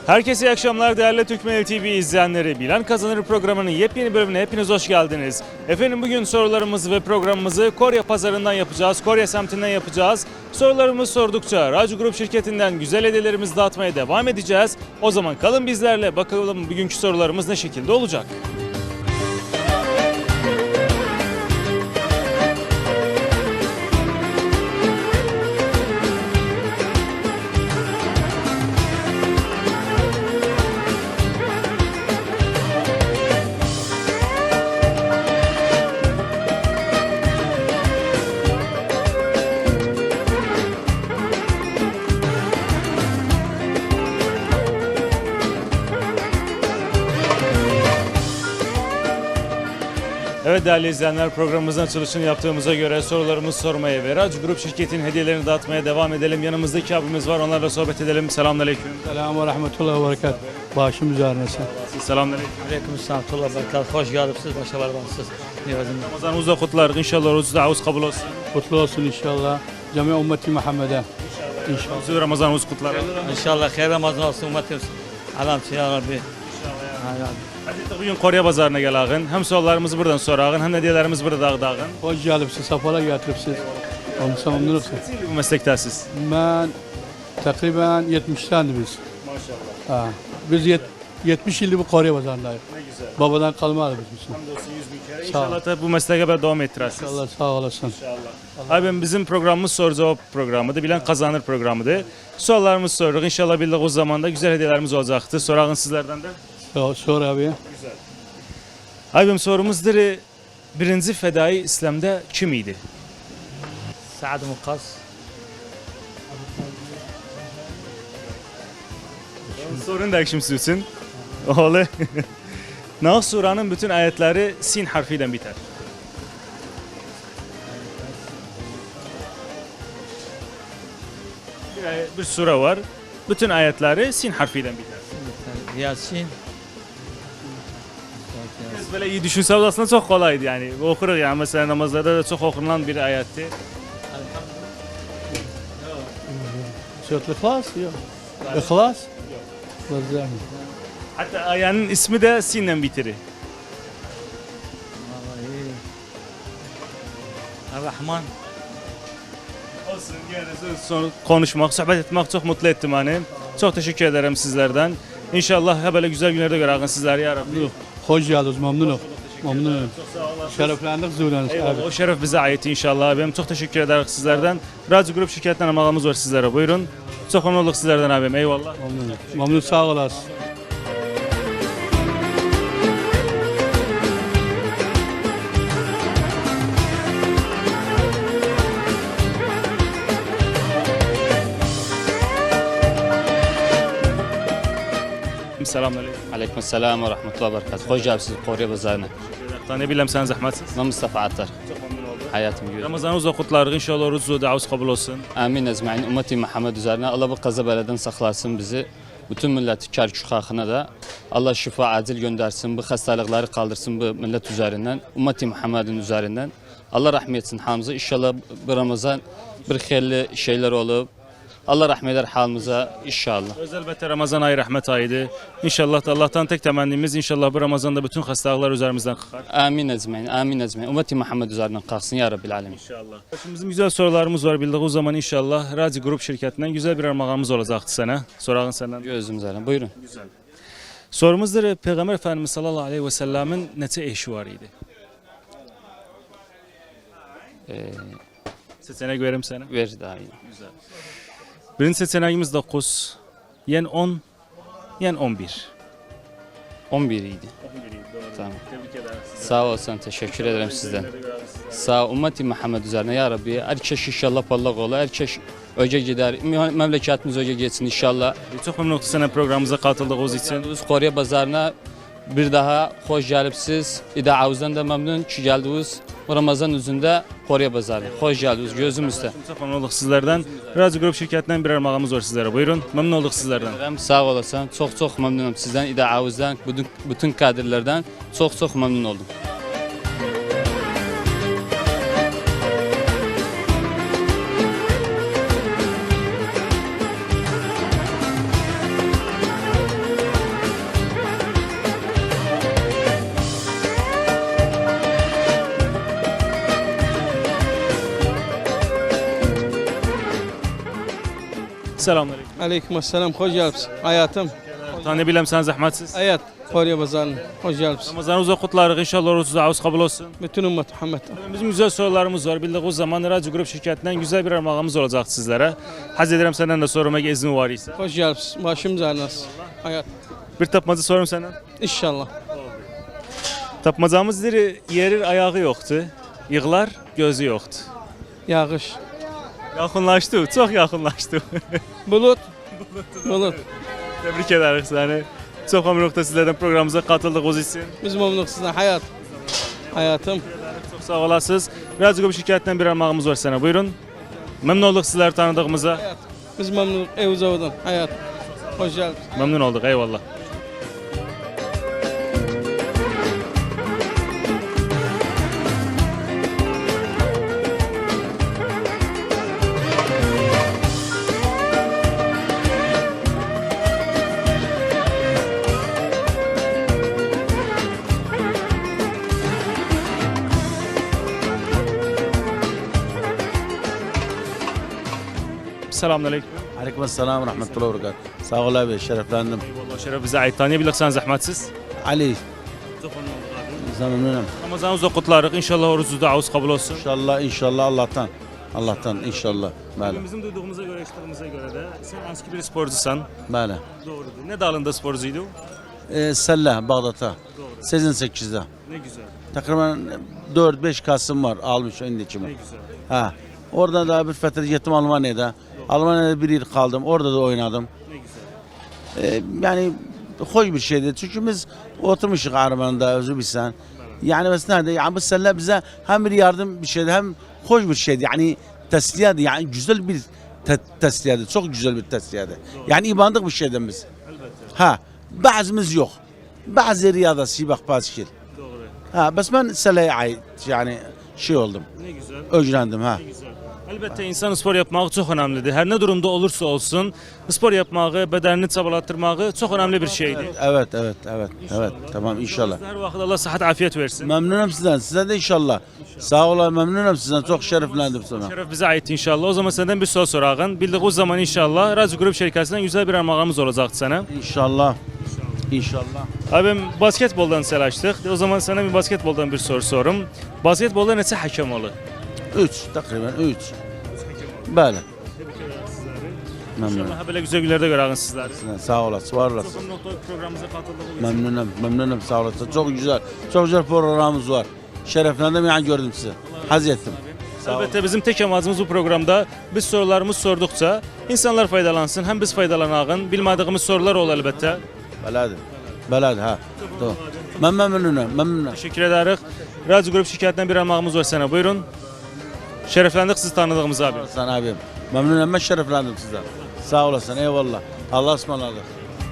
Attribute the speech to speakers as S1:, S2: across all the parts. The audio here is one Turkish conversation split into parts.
S1: Herkese iyi akşamlar değerli Türkmen TV izleyenleri. Bilen Kazanır programının yepyeni bölümüne hepiniz hoş geldiniz. Efendim bugün sorularımızı ve programımızı Korya pazarından yapacağız. Korya semtinden yapacağız. Sorularımızı sordukça Racu Grup şirketinden güzel hediyelerimizi dağıtmaya devam edeceğiz. O zaman kalın bizlerle, bakalım bugünkü sorularımız ne şekilde olacak. Evet değerli izleyenler, programımızın açılışını yaptığımıza göre sorularımızı sormaya ve Racu Grup şirketinin hediyelerini dağıtmaya devam edelim. Yanımızdaki abimiz var, onlarla sohbet edelim. Selamünaleyküm.
S2: Selamun ve rahmetullahi ve berekat. Başım üzerine sen.
S1: Selamünaleyküm.
S3: Aleykümselam ve berekat. Hoş geldiniz. Başarılarınız.
S1: Ramazanımız da kutlar. İnşallah oruç davuz kabul olsun.
S2: Kutlu olsun inşallah. Cami ümmeti Muhammed'e. İnşallah.
S1: Size Ramazanımız kutlar.
S3: İnşallah hayır Ramazan olsun ümmetimiz. Alamçı ya Rabbi.
S1: Hadi bugün Korya pazarına gel ağın. Hem sorularımızı buradan sor ağın, hem hediyelerimizi burada dağıt ağın.
S2: Hoş geldiniz. Safhala getiripsiz. Olmuşsa memnun olsun.
S1: Bu meslektəsiz.
S2: Ben takriben 70'tendi biz.
S1: Maşallah.
S2: Ha. Biz 70 yıldır bu Kore pazarındayız.
S1: Ne güzel.
S2: Babadan kalmadı bizim.
S1: Hamdolsun 100 bin kere.
S2: Sağ ol.
S1: İnşallah da bu mesleğe kadar devam ettirəsiniz.
S2: Allah sağ olasın.
S1: İnşallah. Abi bizim programımız soru cevap programıdır. Bilen kazanır programıdır. Sorularımızı soruyoruz. İnşallah bildik o zaman da güzel hediyelerimiz olacaktır. Sorağın sizlerden de.
S2: Sor abi.
S1: Güzel. Abim sorumuzdur. Birinci fedai İslam'da kim idi?
S3: Sa'd Mukas.
S1: Sorun da kim sürsün? Oğlu. Nahl Sura'nın bütün ayetleri sin harfiyle biter. Bir sure var. Bütün ayetleri sin harfiyle biter.
S3: Yasin.
S1: Biz böyle iyi düşünseniz aslında çok kolaydı yani. Okuruz yani mesela namazlarda da çok okunan bir ayetti.
S2: Surat İhlas? Yok. İhlas? Yok.
S1: Hatta ayenin ismi de sinle bitirir.
S3: Rahman.
S1: Olsun gene son konuşmak, sohbet etmek çok mutlu ettim hani. Çok teşekkür ederim sizlerden. İnşallah hep böyle güzel günlerde görürüz sizleri ya Rabbi.
S2: Hoş geldiniz. Memnunum. Memnunum. Şereflendik züreniz.
S1: Eyvallah, o şeref bize ait inşallah abim. Çok teşekkür ederiz sizlerden. Racu Grup şirketinden amağımız var sizlere. Buyurun. Çok memnun olduk sizlerden abim. Eyvallah.
S2: Memnunum. Memnun sağ olasın.
S1: Selamünaleyküm.
S4: Aleykümselam ve rahmetullahi ve berekatuhu. Hoş geldiniz Korya pazarına.
S1: Ne bileyim sen zahmetsiz.
S4: Ben Mustafa Attar.
S1: Çok memnun oldum.
S4: Hayatım görüyorum.
S1: Ramazanınız da kutlarız. İnşallah orucu davuz kabul olsun.
S4: Amin ecmaîn. Ümmeti Muhammed üzerine Allah bu kaza beladan saklasın bizi. Bütün milleti kar halkına da Allah şifa acil göndersin. Bu hastalıkları kaldırsın bu millet üzerinden. Ümmeti Muhammed'in üzerinden. Allah rahmet etsin hamımıza. İnşallah bu Ramazan bir hayırlı şeyler olup Allah rahmet eder halımıza inşallah.
S1: Elbette Ramazan ayı rahmet ayıdır. İnşallah da Allah'tan tek temennimiz inşallah bu Ramazan'da bütün hastalıklar üzerimizden kalkar.
S4: Amin ecmaîn. Amin ecmaîn. Ümmeti Muhammed üzerinden kalksın ya Rabbil alemin.
S1: İnşallah. Şimdi bizim güzel sorularımız var bildik. O zaman inşallah Raci Grup şirketinden güzel bir armağanımız olacaktı sana. Sorağın senden.
S4: Gözüm üzerine. Buyurun.
S1: Güzel. Sorumuzdur. Peygamber Efendimiz sallallahu aleyhi ve sellemin neçə eşi var idi? Seçenek verim sana.
S4: Ver daha iyi.
S1: Güzel. Birinci seçeneğimiz 9, yen 10, yen 11.
S4: 11 idi.
S1: 11 idi, doğru.
S4: Tamam.
S1: Tebrik ederiz.
S4: Sağ olsun. Teşekkür ederim sizden. Sağ ol. Ümmeti Muhammed üzerine ya Rabbi. Herkes inşallah parlak ola. Herkes öce gider. Memleketimiz öce geçsin inşallah.
S1: Çok memnun olduk sana programımıza katıldığınız için.
S4: Biz Korya pazarına bir daha hoş gelipsiz. İdaavuzdan da memnun ki geldiniz. Ramazan üzerinde Korya pazarı. Hoş geldiniz gözümüzde.
S1: Çok memnun olduk sizlerden. Raci Grup şirketinden bir armağanımız var sizlere. Buyurun. Memnun olduk sizlerden.
S4: Sağ olasın. Çok memnunum sizden. İdaavuzdan, bütün kadrlerden çok memnun oldum.
S1: Selamünaleyküm.
S5: Aleykümselam, hoş geldiniz. Hayatım,
S1: Tanıyabilem sen zahmetsiz.
S5: hayat, Kore Bazarı'na hoş geldiniz.
S1: Ramazanınızı kutlarız. İnşallah orucunuz avuz kabul olsun.
S5: Bütün ümmet Muhammed.
S1: Bizim güzel sorularımız var. Bildiğiniz zaman Radyo Grup şirketinden güzel bir armağanımız olacak sizlere. Haz ederim senden de soruma izin var ise.
S5: Hoş geldiniz. Başımız ağrınız. Hayat,
S1: Bir tapmacı sorum senden.
S5: inşallah.
S1: Tapmacamız yerir ayağı yoktu. Yığlar gözü yoktu.
S5: Yağış,
S1: Yakınlaştı, çok yakınlaştı.
S5: bulut, bulut.
S1: Tebrik ederiz seni. Çok memnunum sizlerden programımıza katıldığınız için.
S5: Biz memnunuz sizden. Hayat, hayatım.
S1: Çok sağ olasınız. Radyo Grup şirketinden bir armağanımız var sana. Buyurun. Memnun olduk sizleri tanıdığımıza.
S5: Hayat. Biz memnunuz. Evuzavudun. Hayat. Hoş geldiniz.
S1: Memnun olduk. Eyvallah. Selamünaleyküm.
S6: Aleykümselam rahmetullah ve berekatuhu. Sağ ol abi, şereflendim.
S1: Eyvallah şeref bize ait. Tanıyabilirsen zahmetsiz.
S6: Ali,
S1: Çok memnun olduk abi.
S6: memnunum.
S1: Ramazanınızı kutlarız. İnşallah orucunuz da avuz kabul olsun.
S6: İnşallah Allah'tan inşallah. Böyle,
S1: Bizim duyduğumuza göre, işittiğimize göre de sen eski bir sporcusan.
S6: böyle.
S1: Doğrudur. Ne dalında sporcuydu?
S6: Sellah, Bağdat'a. Sezin 8'de.
S1: Ne güzel.
S6: Takriben 4-5 Kasım var almış ön içime.
S1: Ne güzel.
S6: Ha. Oradan da bir fetret gittim Almanya'da. Almanya'da bir yıl kaldım. Orada da oynadım.
S1: Ne güzel.
S6: Yani hoş bir şeydi. Çünkü biz oturmuşuz Arman'da özü bilsen. Yani mesela nerede? Yani bu seninle bize hem bir yardım bir şeydi hem hoş bir şeydi. Yani tesliyedi. Yani güzel bir tesliyedi. Çok güzel bir tesliyedi. Yani ibandık bir şeyden biz. Ha. Bazımız yok. Bazı riyadası bak bazı
S1: Doğru.
S6: Ha. Bas ben seleye ait yani şey oldum.
S1: Ne güzel.
S6: Öğrendim ha.
S1: Ne güzel. Elbette insan spor yapmağı çok önemlidir. Her ne durumda olursa olsun spor yapmağı, bedenini çabalattırmağı çok önemli bir şeydir.
S6: Evet. Tamam inşallah.
S1: Her vakit Allah sıhhat afiyet versin.
S6: Memnunum sizden. Size de inşallah. Sağ olun memnunum sizden. Çok şereflendim sana.
S1: Şeref bize ait inşallah. O zaman senden bir soru sorağın. Bildiğiniz zaman inşallah Radyo Grup şirketinden güzel bir armağanımız olacak sana.
S6: İnşallah.
S1: Abim basketboldan selaştık. O zaman sana bir basketboldan bir soru sorum. Basketbolda neçə hakem olur?
S6: 3 takriben 3. Böyle. Memnunum.
S1: İnşallah böyle güzel günlerde görəğin sizləri.
S6: Sağ olasın. Var olasın.
S1: Çok memnun olduk programımıza katıldığınız için.
S6: Memnunum. Sağ olasın. Çok güzel programımız var. Şereflendim yani gördüm sizi. Haz ettim.
S1: Elbette bizim tek amacımız bu programda biz sorularımız sordukça insanlar faydalansın, hem biz faydalanağın. Bilmediğimiz sorular ol elbette.
S6: Beladi ha. Doğru. Ben memnunum.
S1: Teşekkür ederiz. Radyo Grup şirketinden bir armağanımız var sana. Buyurun. Şereflendik sizi tanıdığımız abi.
S6: Sen abim. Memnunum ben şereflendim sizden. Sağ olasın. Eyvallah. Allah ısmarladık.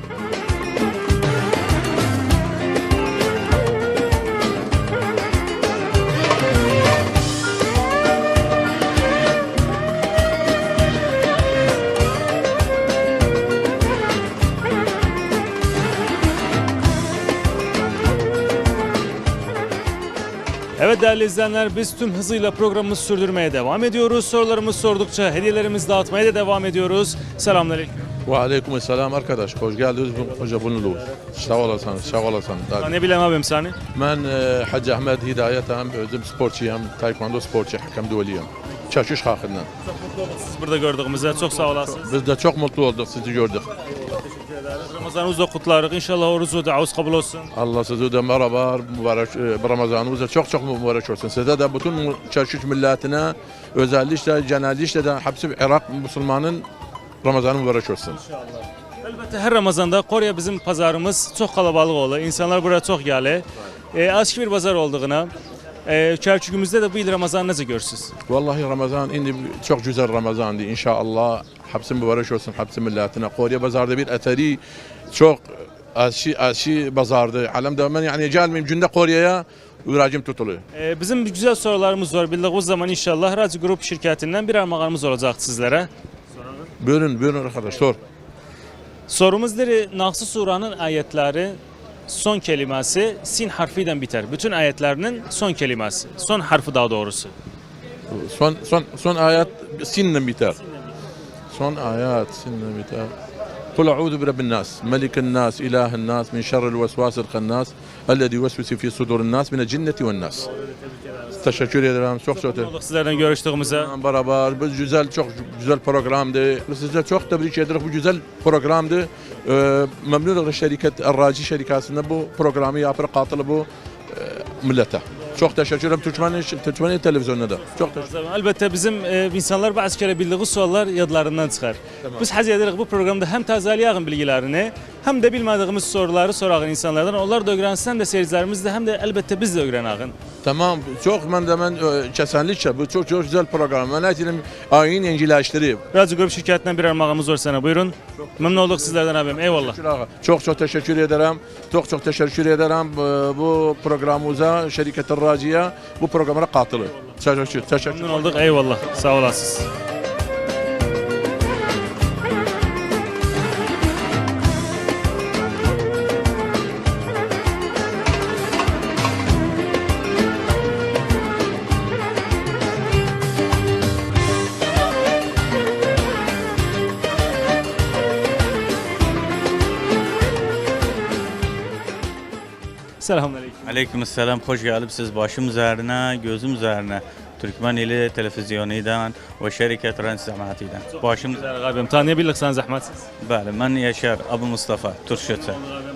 S1: Evet değerli izleyenler, biz tüm hızıyla programımızı sürdürmeye devam ediyoruz. Sorularımızı sordukça hediyelerimizi dağıtmaya da devam ediyoruz. Selamünaleyküm.
S7: Ve aleyküm selam arkadaş. Hoş geldiniz. Hoca bulundu. Sağ olasın.
S1: Ne bileyim abim seni?
S7: Ben Hacı Ahmet Hidayet hem özüm sporçuyum. Taekwondo sporçu, hakem dueliyim. Çarşış hakkından.
S1: Siz burada gördüğümüzde çok sağ olasınız.
S7: Biz de çok mutlu olduk sizi gördük.
S1: Ramazanınızı da kutlarız. İnşallah orucu da avuz kabul olsun.
S7: Allah sizi de merhaba, mübarek Ramazanımız da çok mübarek olsun. Size de bütün çarşış milletine özellikle genellikle de hepsi Irak Müslümanın Ramazanı mübarek olsun.
S1: Elbette her Ramazanda Konya bizim pazarımız çok kalabalık olur. İnsanlar buraya çok gelir. Açık bir pazar olduğuna. Çerçükümüzde de bu yıl Ramazan nasıl görürsünüz?
S7: Vallahi Ramazan indi çok güzel Ramazandı inşallah. Hepsi mübarek olsun hepsi milletine. Konya pazarda bir eteri çok aşı pazardı. Alemde ben yani gelmeyeyim günde Konya'ya viracım tutuluyor.
S1: Bizim güzel sorularımız var. Bildiğiniz zaman inşallah Radyo Grup şirketinden bir armağanımız olacak sizlere.
S7: Buyurun arkadaş sor.
S1: Sorumuzdur. Naxçı Suranın ayetleri son kelimesi sin harfiyle biter. Bütün ayetlerinin son kelimesi. Son harfi daha doğrusu.
S7: Son ayet sinle biter. son ayet sinnemita. قل أعوذ برب الناس ملك الناس إله الناس من شر الوسواس الخناس الذي يوسوس في صدور الناس من الجنة والناس. Teşekkür ederim. Çok çok
S1: Olduk sizlerden görüştüğümüze.
S7: beraber. Bu güzel, çok güzel programdı. Size çok tebrik ederim. Bu güzel programdı. Memnunum şirket Arraci şirkasında bu programı yapıp katılı bu millete. Çok teşekkür ederim. Türkmen televizyonuna da. Çok teşekkür ederim.
S1: Elbette bizim insanlar bazı kere bildiği sorular yadlarından çıkar. Biz haz ederiz bu programda hem tazeliğin bilgilerini hem de bilmediğimiz soruları sorağın insanlardan. Onlar da öğrensin de seyircilerimiz de hem de elbette biz de öğreneğin.
S7: Tamam. Çok ben kesinlikle bu çok güzel program. Ben etinim ayın yenileştirip.
S1: Radyo Grup şirketinden bir armağanımız var sana. Buyurun. Memnun olduk sizlerden abim. Eyvallah.
S7: Çok teşekkür ederim. Çok teşekkür ederim bu programımıza, şirket Arraci'ye bu programa katılı. Teşekkür.
S1: Memnun olduk. Eyvallah. Sağ olasınız. Selamünaleyküm.
S8: Aleykümselam, hoş geldiniz başım üzerine, gözüm üzerine. Türkmen ili televizyonundan ve şirket Rens Cemaati'den. Başım üzerine.
S1: Abim tanıyabilirsen zahmetsiz.
S8: Bəli, ben Yaşar Abu Mustafa, Turşutu.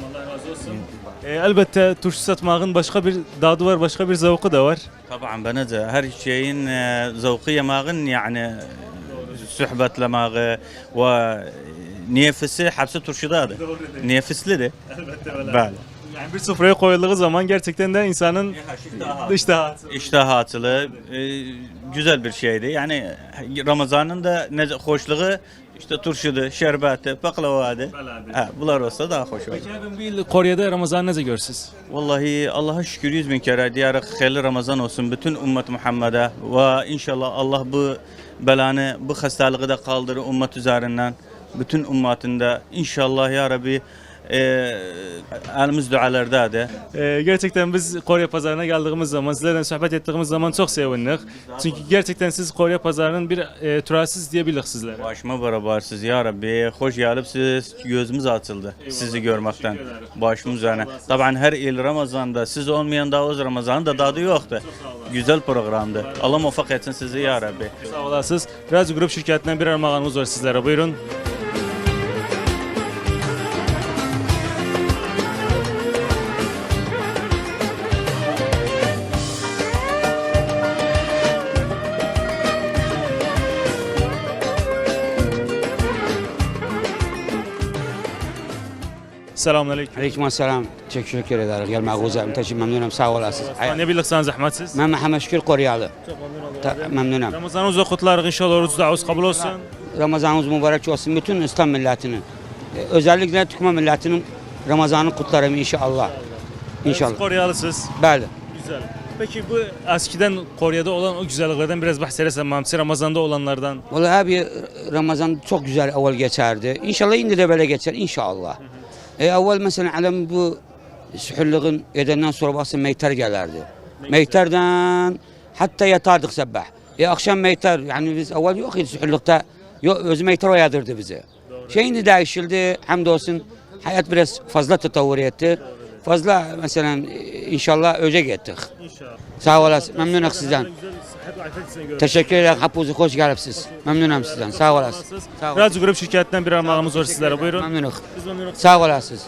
S1: Elbette turşu satmağın başka bir dadı var, başka bir zevki de var.
S8: Tabii bana da her şeyin zevki yemağın yani sohbetlemağı ve nefisi hepsi turşudadır. Nefisli de. Bəli.
S1: Yani bir sofraya koyulduğu zaman gerçekten de insanın
S8: İştahatılı, güzel bir şeydi. Yani Ramazan'ın da hoşluğu işte turşudu, şerbeti, baklavadı. Bunlar olsa daha hoş olur.
S1: Peki abim bu yıl Kore'de Ramazan ne görürsünüz?
S8: Vallahi Allah'a şükür 100 bin kere diyerek hayırlı Ramazan olsun bütün ümmet Muhammed'e ve inşallah Allah bu belanı, bu hastalığı da kaldırır ümmet üzerinden. Bütün ümmetinde inşallah ya Rabbi elimiz dualardadır.
S1: Gerçekten biz Kore pazarına geldiğimiz zaman, sizlerle sohbet ettiğimiz zaman çok sevindik. Çünkü gerçekten siz Kore pazarının bir türasiz diyebiliriz sizlere.
S8: Başıma berabersiniz ya Rabbi. Hoş geldiniz. Gözümüz açıldı sizi görmekten. Başımın üzerine. Tabii her il Ramazan'da siz olmayan da o Ramazan'ın da tadı yoktu. Güzel programdı. Allah muvaffak etsin sizi ya Rabbi.
S1: Sağ olasınız. Radyo Grup şirketinden bir armağanımız var sizlere. Buyurun. Selamünaleyküm.
S9: Aleykümselam. Teşekkür ederiz. Gelmek teşekkür memnunum. Sağ olasınız.
S1: Tanıyabilirsen zahmetsiz.
S9: Ben Mehmet Şükür Koryalı. Memnunum.
S1: Ramazanınızda kutlarız inşallah. Oruç davuz kabul olsun.
S9: Ramazanınız mübarek olsun. Bütün İslam milletinin. Özellikle Türkmen milletinin Ramazan'ı kutlarım inşallah. İnşallah.
S1: Siz Koreyalısınız.
S9: Bəli.
S1: Güzel. Peki bu eskiden Kore'de olan o güzelliklerden biraz bahsedersen Mamsi Ramazan'da olanlardan.
S9: Vallahi abi Ramazan çok güzel evvel geçerdi. İnşallah indi de böyle geçer inşallah. Evvel mesela alem bu sühürlüğün edenden sonra baksın meyter gelirdi. Meyterden hatta yatardık sabah. Akşam meyter yani biz evvel yok idi sühürlükte. Öz meyter uyandırdı bizi. Şimdi değişildi hamdolsun hayat biraz fazla tetavvur etti. Fazla mesela inşallah öce gittik.
S1: İnşallah.
S9: Sağ olasın. Memnunum sizden. Teşekkür ederim. Hepinize hoş geldiniz. Memnunum sizden. Sağ olasınız. Sağ olasın.
S1: Radyo Grup şirketinden bir armağanımız var sizlere. Buyurun.
S9: Memnunum.
S1: Biz memnunuz.
S9: Sağ olasınız.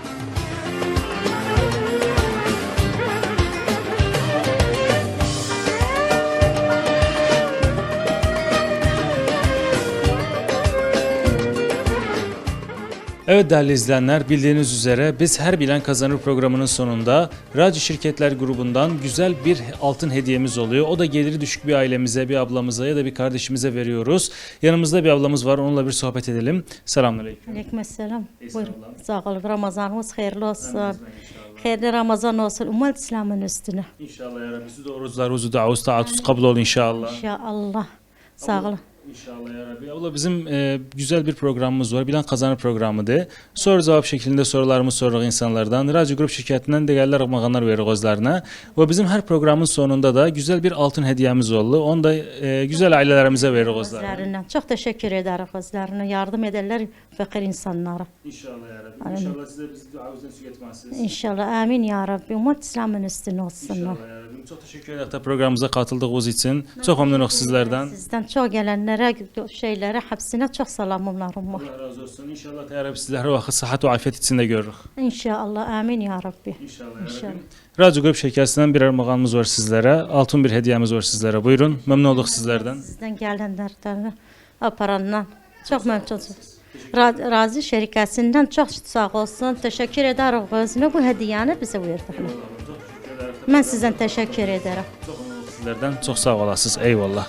S1: Evet değerli izleyenler, bildiğiniz üzere biz Her Bilen Kazanır programının sonunda Radyo Şirketler grubundan güzel bir altın hediyemiz oluyor. O da geliri düşük bir ailemize, bir ablamıza ya da bir kardeşimize veriyoruz. Yanımızda bir ablamız var, onunla bir sohbet edelim. Selamünaleyküm.
S10: Aleykümselam. Buyurun. Sağ olun. Ramazanımız hayırlı olsun. Hayırlı Ramazan olsun. Ümmet İslam'ın üstüne.
S1: İnşallah ya Rabbi. Siz de oruçlar, davuz, taatuz kabul olun inşallah.
S10: İnşallah. Sağ olun.
S1: İnşallah ya Rabbi. Abla bizim güzel bir programımız var. Bilen Kazanır programıdır. Soru cevap şeklinde sorularımızı soruyoruz insanlardan. Radyo Grup şirketinden değerli armağanlar veriyoruz özlerine. Ve bizim her programın sonunda da güzel bir altın hediyemiz oldu. Onu da güzel ailelerimize veriyoruz özlerine.
S10: Özlerinden. Çok teşekkür ederiz özlerine. Yardım ederler fakir insanlara.
S1: İnşallah ya Rabbi. İnşallah size bizi duamızdan su getirmezsiniz.
S10: İnşallah amin ya Rabbi. Umut İslam'ın üstüne olsunlar.
S1: İnşallah ya Rabbi. Çok teşekkür ederiz da programımıza katıldığınız için. Çok memnunuz sizlerden.
S10: Sizden çok gelenlere, şeylere, hepsine çok selamlarım var.
S1: Allah razı olsun. İnşallah ya Rabbi sizleri vakit sıhhat ve afiyet içinde görürük.
S10: İnşallah amin ya Rabbi.
S1: İnşallah ya
S10: İnşallah.
S1: Rabbi. Radyo Grup şirketinden bir armağanımız var sizlere. Altın bir hediyemiz var sizlere. Buyurun. Memnun olduk sizlerden.
S10: Sizden gelenlerden, aparandan çok memnunum. Razı şirketinden çok sağ olsun. Teşekkür ederim özüne bu hediyeyi bize verdiğine. Ben sizden teşekkür ederim.
S1: Çok memnun olduk sizlerden. Çok sağ olasınız. Eyvallah.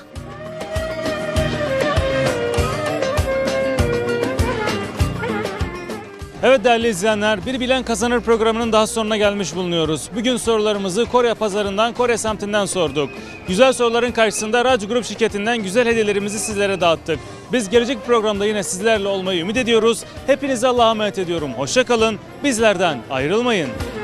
S1: Evet değerli izleyenler, Bir Bilen Kazanır programının daha sonuna gelmiş bulunuyoruz. Bugün sorularımızı Kore pazarından, Kore semtinden sorduk. Güzel soruların karşısında Radyo Grup şirketinden güzel hediyelerimizi sizlere dağıttık. Biz gelecek programda yine sizlerle olmayı ümit ediyoruz. Hepinize Allah'a emanet ediyorum. Hoşça kalın, bizlerden ayrılmayın.